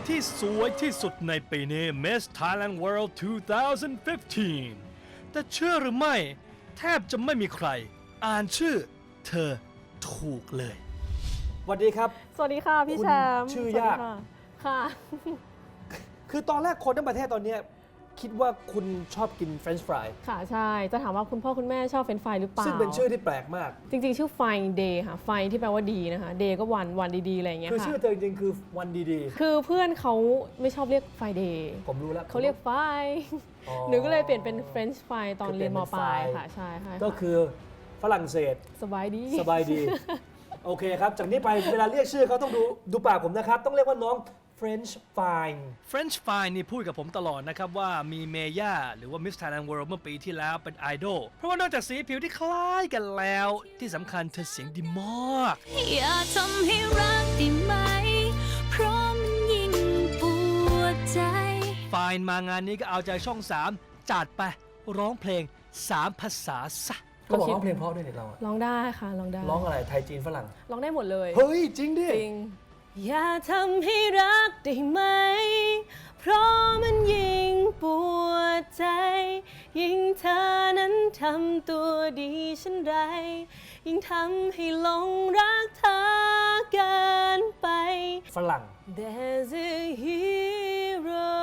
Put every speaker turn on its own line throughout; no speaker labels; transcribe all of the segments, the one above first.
ที่สวยที่สุดในปีนี้ Miss Thailand World 2015 แต่เชื่อหรือไม่แทบจะไม่มีใครอ่านชื่อเธอถูกเลย
สวัสดีครับ
สวัสดีค่ะพี่แชมป์
ชื่อยาก
สวัสดีค่ะ
คือตอนแรกคนทั้งประเทศตอนเนี้ยคิดว่าคุณชอบกินเฟรนช์ฟราย
ค่ะใช่ จะถามว่าคุณพ่อคุณแม่ชอบเฟรนช์ฟรายหรือเปล่า
ซึ่งเป็นชื่อที่แปลกมาก
จริงๆ ชื่อไฟเดย์ค่ะ ไฟที่แปลว่าดีนะคะ เดย์ก็วันดีๆ อะไรอย่างเงี้ย
คือ
ค่ะ
ชื่อเธอจริงๆคือวันดี
คือเพื่อนเขาไม่ชอบเรียกไฟเดย์
ๆ ผมรู้แล้ว
เขาเรียกไฟ
อ๋อ
หนูก็เลยเปลี่ยนเป็นเฟรนช์ฟรายตอนเรียนมปลาย
คือเปลี่ยนเป็น
ค่ะ ใช่ค่ะ
ก็คือฝรั่งเศส
สบายดี
สบายดี โอเคครับ จากนี้ไปเวลาเรียกชื่อเขาต้องดูปากผมนะครับ ต้องเรียกว่าน้อง French Fine
French Fine นี่พูดกับผมตลอดนะครับว่ามีเมย่าหรือว่า Miss Thailand World เมื่อปีที่แล้วเป็นไอดอลเพราะว่านอกจากสีผิวที่คล้ายกันแล้วที่สำคัญเธอเสียงดีมาก
อย่าทำให้รักได้ไหม เพราะมันยิ่งปวดใจ
Fine มางานนี้ก็เอาใจช่อง 3 จัดไปร้องเพลง 3 ภาษาซะ
ก็บอกร้องเพลงเพราะด้วยเนี่ยเราอะ
ร้องได้ค่ะร้องได้
ร้องอะไรไทยจีนฝรั่ง
ร้องได้หมดเลย
เฮ้ย จริงดิ
จริงอย่าทำให้รักได้ไหม เพราะมันยิ่งปวดใจ ยิ่งเธอนั้นทำตัวดีฉันไร ยิ่งทำให้หลงรักเธอเกินไป
ฝรั่ง
There's a hero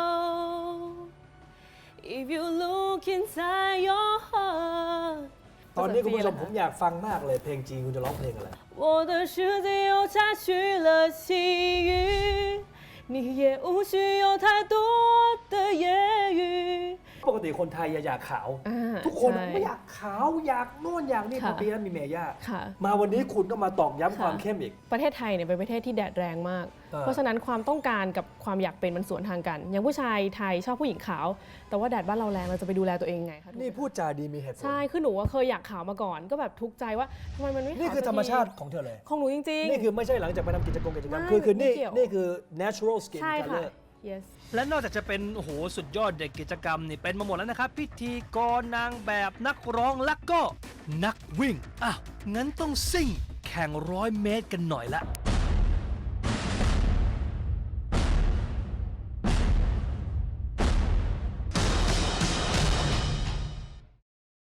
if you look inside your heart
ตอนนี้คุณผู้ชมผมอยากฟังมากเลยเพลงจีนคุณจะร้องเพลงอะไร
我的世界又插去了细雨，你也无需有太多的言语。
ปกติคนไทยอยากขาว ทุกคน
ใช่
ไม่อยากขาวอยากโน่นอยากนี่
ค่ะ
ปีนั้นมีเมย่า
ค่ะ
มาวันนี้คุณก็มาตอกย้ำความ
ค่ะ
เข้มอีก
ประเทศไทยเนี่ยเป็นประเทศที่แดดแรงมาก
เออ
เพราะฉะนั้นความต้องการกับความอยากเป็นมันสวนทางกัน อย่างผู้ชายไทยชอบผู้หญิงขาว แต่ว่าแดดบ้านเราแรงเราจะไปดูแลตัวเองไงคะ
นี่พูดจาดีมีเหตุผล
ใช่ คือหนูว่าเคยอยากขาวมาก่อน ก็แบบทุกข์ใจว่าทำไมมันไม่ขาว
นี่คือ
สัก
ธรรมชาติ
ที
ของเธอเลย
ของหนูจริงๆ
นี่คือไม่ใช่หลังจากไปทำกิจกรรม
ไม่
คือนี่
ไม่เกี่ยว
นี่คือ natural skin
ใช่ค่ะ
color
yes
และนอกจากจะเป็นโอ้โหสุดยอดเด็กกิจกรรมนี่เป็นมาหมดแล้วนะครับ พิธีกรนางแบบนักร้องและก็นักวิ่งอ้าวงั้นต้องซิ่งแข่ง100 เมตรกันหน่อยละ